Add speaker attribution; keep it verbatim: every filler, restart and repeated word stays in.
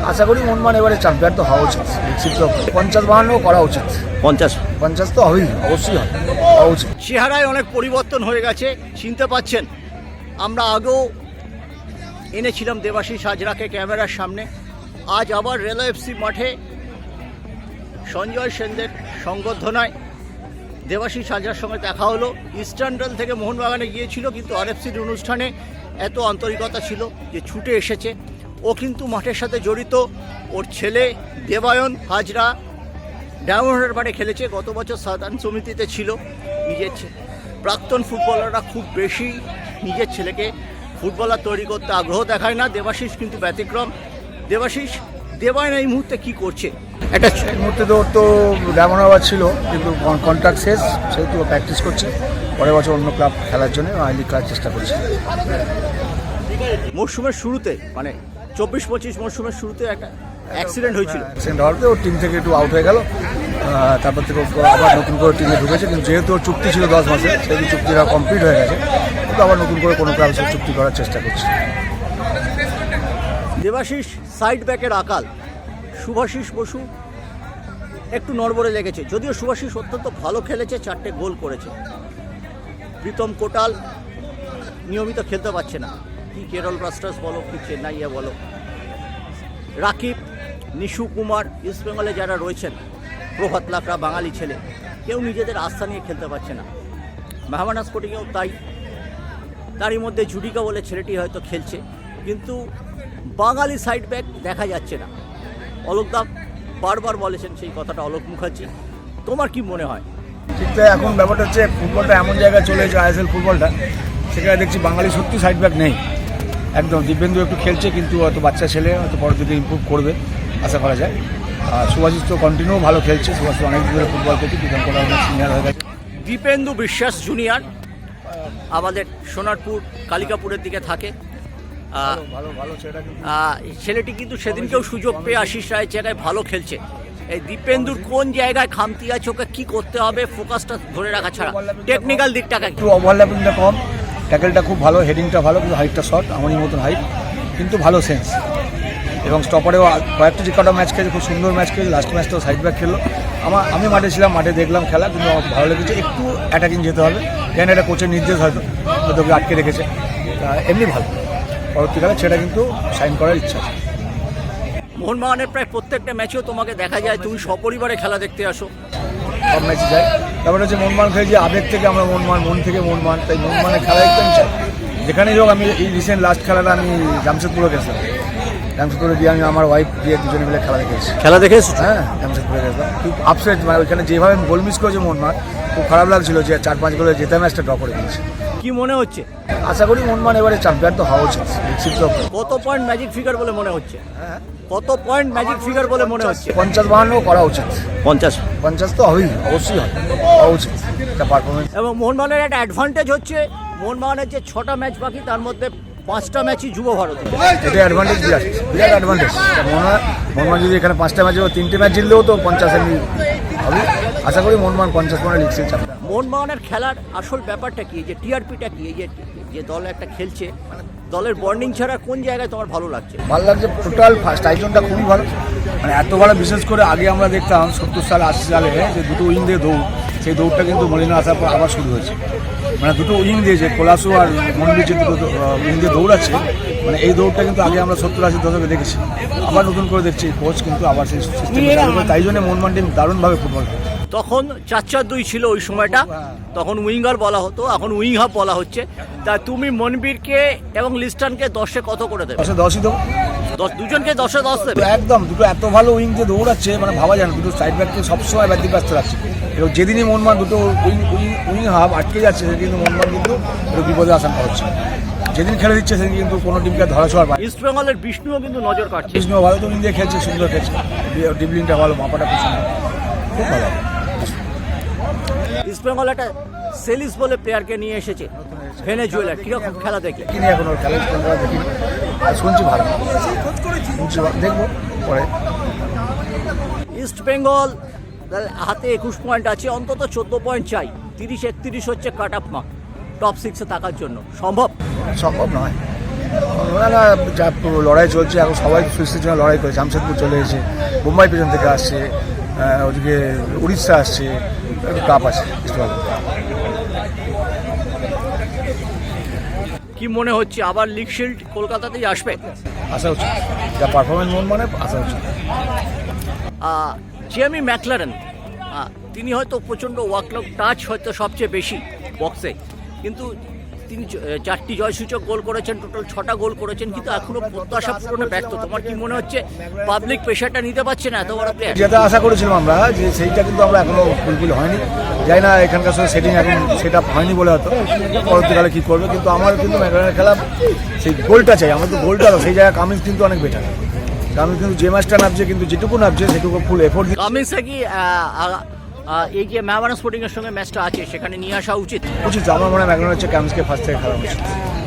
Speaker 1: আশা করি মোহনবাগান এবারে চ্যাম্পিয়ন তো হওয়া উচিত, নিশ্চিত পঞ্চাশ বাহান্ন করা উচিত।
Speaker 2: পঞ্চাশ
Speaker 1: পঞ্চাশ তো হবেই, অবশ্যই হবে, হওয়া উচিত।
Speaker 2: চেহারায় অনেক পরিবর্তন হয়ে গেছে, চিনতে পাচ্ছেন। আমরা আগেও এনেছিলাম দেবাশিস হাজরাকে ক্যামেরার সামনে। আজ আবার রেলওয়ে এফসি মাঠে সঞ্জয় সেনদের সংবর্ধনায় দেবাশিস হাজরার সঙ্গে দেখা হলো। ইস্টার্ন রেল থেকে মোহনবাগানে গিয়েছিল, কিন্তু আরএফসির অনুষ্ঠানে এত আন্তরিকতা ছিল যে ছুটে এসেছে। ও কিন্তু মাঠের সাথে জড়িত। ওর ছেলে দেবায়ন হাজরা ডায়মন্ড হারবারে খেলেছে, গত বছর সাধারণ সমিতিতে ছিল। নিজের প্রাক্তন ফুটবলাররা খুব বেশি নিজের ছেলেকে ফুটবলার তৈরি করতে আগ্রহ দেখায় না, দেবাশিস কিন্তু ব্যতিক্রম। দেবাশিস, দেবায়ন এই মুহূর্তে কি করছে?
Speaker 1: একটা এই মুহূর্তে তো তো ডায়মন্ড হারবার ছিল, কিন্তু কন্ট্রাক্ট শেষ, সেহেতু প্র্যাকটিস করছে। পরের বছর অন্য ক্লাব খেলার জন্য আই লিগ খেলার চেষ্টা করছে।
Speaker 2: মরশুমের শুরুতে মানে চব্বিশ পঁচিশ মরশুমের শুরুতে একটা অ্যাক্সিডেন্ট হয়েছিল।
Speaker 1: অ্যাক্সিডেন্ট হওয়াতে ওর টিম থেকে একটু আউট হয়ে গেল, তারপর থেকে আবার নতুন করে টিমে ঢুকেছে। কিন্তু যেহেতু ওর চুক্তি ছিল দশ মাসে, সেহেতু চুক্তিটা কমপ্লিট হয়ে গেছে, কিন্তু আবার নতুন করে কোনো ক্লাবের সাথে চুক্তি করার চেষ্টা করছে।
Speaker 2: দেবাশিস সাইড ব্যাকের আকাল, শুভাশিস বসু একটু নড়বড়ে লেগেছে, যদিও শুভাশিস অত্যন্ত ভালো খেলেছে, চারটে গোল করেছে। প্রীতম কোটাল নিয়মিত খেলতে পারছে না, কি কেরল ব্লাস্টার্স বলো কি চেন্নাইয়া বলো। রাকিব, নিশু কুমার, ইস্ট বেঙ্গলে যারা রয়েছেন, প্রভাত লাকড়া বাঙালি ছেলে, কেউ নিজেদের আস্থা নিয়ে খেলতে পারছে না। মেহমান স্পোর্টিংয়েও তাই। তারই মধ্যে জুডিকা বলে ছেলেটি হয়তো খেলছে, কিন্তু বাঙালি সাইড ব্যাক দেখা যাচ্ছে না। অলোকদা বারবার বলেছেন সেই কথাটা, অলোক মুখার্জি। তোমার কি মনে হয়?
Speaker 1: ঠিক তাই, এখন ব্যাপারটা হচ্ছে ফুটবলটা এমন জায়গায় চলে এসেছে, আইএসএল ফুটবলটা, সেখানে দেখছি বাঙালি সত্যি সাইড ব্যাক নেই একদম। দিব্যেন্দু একটু খেলছে, কিন্তু হয়তো বাচ্চা ছেলে, হয়তো পরের দিকে ইম্প্রুভ করবে আশা করা যায়। আর সুভাষিস তো কন্টিনিউ ভালো খেলছে, সুভাষিস অনেক দূরে ফুটবল খেলছে, প্রীতম কোটাল অনেক সিনিয়র হয়ে গেছে।
Speaker 2: দীপেন্দু বিশ্বাস জুনিয়র আমাদের সোনারপুর কালিকাপুরের দিকে থাকে।
Speaker 1: ভালো ভালো ছেলেটা,
Speaker 2: ছেলেটি কিন্তু সেদিনকেও সুযোগ পেয়ে আশিস রায়ের জায়গায় ভালো খেলছে। এই দীপেন্দুর কোন জায়গায় খামতি আছে, ওকে কী করতে হবে, ফোকাসটা ধরে রাখা ছাড়া টেকনিক্যাল দিকটাকে
Speaker 1: একটু ওভারল্যাপিংটা কম, ট্যাকেলটা খুব ভালো, হেডিংটা ভালো, কিন্তু হাইটটা শর্ট, আমারই মতন হাইট, কিন্তু ভালো সেন্স। এবং স্টপারেও কয়েকটা যে কটা ম্যাচ খেলেছে, খুব সুন্দর ম্যাচ খেলেছে। লাস্ট ম্যাচটাও সাইড ব্যাক খেললো। আমার আমি মাঠে ছিলাম, মাঠে দেখলাম খেলা, কিন্তু আমার ভালো লেগেছে। একটু অ্যাটাকিং যেতে হবে, কেন এটা কোচের নির্দেশ হয়তো হয়তো ওকে আটকে রেখেছে। এমনি ভালো, পরবর্তীকালে সেটা কিন্তু সাইন করার ইচ্ছা আছে।
Speaker 2: মোহনবাগানের প্রায় প্রত্যেকটা ম্যাচেও তোমাকে দেখা যায় তুমি সপরিবারে খেলা দেখতে আসো।
Speaker 1: সব ম্যাচে যাই, তারপরে হচ্ছে মনমান খেলে যে আবেগ থেকে আমরা মনমান, মন থেকে মনমান, তাই মনমানের খেলা দেখতে আমি চাই। যেখানেই হোক, আমি এই রিসেন্ট লাস্ট খেলাটা আমি জামশেদপুরে গেছিলাম, জামশেদপুরে গিয়ে আমি আমার ওয়াইফ গিয়ে দুজনে মিলে খেলা দেখেছি।
Speaker 2: খেলা দেখেছি
Speaker 1: হ্যাঁ, জামশেদপুরে গেছিলাম। খুব আপসেট, মানে ওইখানে যেভাবে গোল মিস করেছে মনমান, খুব খারাপ লাগছিল যে চার পাঁচ গোলে জেতা ম্যাচটা ড্র করে দিয়েছে।
Speaker 2: কি মনে হচ্ছে?
Speaker 1: আশা করি মনমান এবারে চ্যাম্পিয়ন তো হওয়া উচিত, নিশ্চিত।
Speaker 2: কত পয়েন্ট ম্যাজিক ফিগার বলে মনে হচ্ছে? কত পয়েন্ট ম্যাজিক ফিগার বলে মনে হচ্ছে?
Speaker 1: পঞ্চাশ বাহান্ন করা উচিত।
Speaker 2: পঞ্চাশ
Speaker 1: পঞ্চাশ তো হবেই, অবশ্যই হবে, হওয়া উচিত একটা পারফরমেন্স।
Speaker 2: এবং মোহনবাগানের একটা অ্যাডভান্টেজ হচ্ছে, মোহনবাগানের যে ছটা ম্যাচ বাকি, তার মধ্যে পাঁচটা ম্যাচই যুব ভারত।
Speaker 1: এটা অ্যাডভান্টেজ, বিরাট বিরাট অ্যাডভান্টেজ। মনে হয় মোহনবাগান যদি এখানে পাঁচটা ম্যাচে তিনটে ম্যাচ জিতলেও তো পঞ্চাশ এমনি হবে। আশা করি মোহনবাগান পঞ্চাশ পয়েন্ট লিগ সিল চ্যাম্পিয়ন।
Speaker 2: মোহনবাগানের খেলার আসল ব্যাপারটা কি, যে টিআরপিটা কি, এই যে যে দল একটা খেলছে, দলের বন্ডিং ছাড়া কোন জায়গায় তোমার ভালো লাগছে?
Speaker 1: ভালো লাগছে টোটাল ফার্স্ট আয়োজনটা খুবই ভালো, মানে এত ভালো। বিশেষ করে আগে আমরা দেখতাম সত্তর সাল আশি সালে যে দুটো উইং দিয়ে দৌড়, সেই দৌড়টা কিন্তু মলিনা আসার পর আবার শুরু হয়েছে। মানে দুটো উইং দিয়ে যে কোলাসু আর মন্দির যে দুটো উইং দিয়ে দৌড়াচ্ছে, মানে এই দৌড়টা কিন্তু আগে আমরা সত্তর আশি দশকে দেখেছি, আবার নতুন করে দেখছি। কোচ কিন্তু আবার সেই সিস্টেম, তাই জন্য মোহনবাগান টিম দারুণভাবে ফুটবল খেলে।
Speaker 2: তখন চার চার দুই ছিল ওই সময়টা, তখন উইঙ্গার বলা হতো, এখন উইং হাফ বলা হচ্ছে। তা তুমি মনবীরকে এবং লিস্টানকে দশে কত করে দেবে?
Speaker 1: দশে দশই দেবো,
Speaker 2: দশ দুজনকে দশে দশ দেবে
Speaker 1: একদম। দুটো এত ভালো উইং দিয়ে দৌড়াচ্ছে, মানে ভাবা যায় না। দুটো সাইড ব্যাককে সবসময় ব্যতিব্যস্ত রাখছে। এবং যেদিনই মনমান দুটো উইং উইং উইং হাফ আটকে যাচ্ছে, সেদিন কিন্তু মনমান কিন্তু একটু বিপদে আশঙ্কা হচ্ছে। যেদিন খেলে দিচ্ছে সেদিন কিন্তু কোনো টিমকে ধরা ছোঁয়ার পায়।
Speaker 2: ইস্ট বেঙ্গলের বিষ্ণুও কিন্তু নজর কাটছে।
Speaker 1: বিষ্ণু ভালো তো উইং দিয়ে খেলছে, সুন্দর খেলছে, ডিবলিংটা ভালো, মাপাটা খুব সুন্দর, খুব ভালো।
Speaker 2: ইস্ট বেঙ্গল একটা সেলিস বলে প্লেয়ারকে নিয়ে এসেছে, ভেনেজুয়েলার। কিরকম খেলা দেখলে?
Speaker 1: কিনে এখন ওর খেলা দেখিনি, শুনছি ভালো, শুনছি দেখবো পরে।
Speaker 2: ইস্ট বেঙ্গল হাতে একুশ পয়েন্ট আছে, অন্তত চোদ্দ পয়েন্ট চাই। তিরিশ একত্রিশ হচ্ছে কাট আপ মার্ক টপ সিক্সে থাকার জন্য। সম্ভব?
Speaker 1: সম্ভব নয়, না না, যা লড়াই চলছে এখন সবাই ফিক্সের জন্য লড়াই করে। জামশেদপুর চলে এসেছে, মুম্বাই পেছন থেকে আসছে, আহ, ওদিকে উড়িষ্যা আসছে, একটু কাপ আছে ইস্টবেঙ্গল।
Speaker 2: কি মনে হচ্ছে আবার লিগ শিল্ড কলকাতাতেই আসবে?
Speaker 1: আসা উচিত, যা পারফরমেন্স মন মানে আসা উচিত।
Speaker 2: জেমি ম্যাকলারেন তিনি হয়তো প্রচণ্ড ওয়ার্কলোড টাচ হয়তো সবচেয়ে বেশি বক্সে, কিন্তু তিনি চ- চারটি জয়সূচক গোল করেছেন, টোটাল ছটা গোল করেছেন, কিন্তু এখনো প্রত্যাশা পূরণে ব্যর্থ। তোমার কি মনে হচ্ছে পাবলিক প্রেশারটা নিতে পারছে না এত বড় প্লেয়ার?
Speaker 1: যেটা আশা করেছিলাম আমরা, যে সেইটা কিন্তু আমরা এখনো ফুলফিল হয়নি। যাই না এখানকার সাথে সেটিং এখন সেট আপ হয়নি বলে হয়তো পরবর্তীকালে কী করবে, কিন্তু আমার কিন্তু ম্যাকলারেনের খেলা সেই গোলটা চাই, আমার তো গোলটা সেই জায়গায় কামিন্স কিন্তু অনেক বেটার। কামিন্স কিন্তু যে ম্যাচটা নামছে, কিন্তু যেটুকু নামছে সেটুকু ফুল এফোর্ট
Speaker 2: কামিন্সে কি আহ, আহ, আহ, এই যে ম্যামানা স্পোর্টিং এর সঙ্গে ম্যাচটা আছে সেখানে নিয়ে আসা উচিত?
Speaker 1: উচিত। আমার মনে হয় ম্যাকলারেন হচ্ছে কামিন্সকে ফার্স্ট থেকে খেলা উচিত।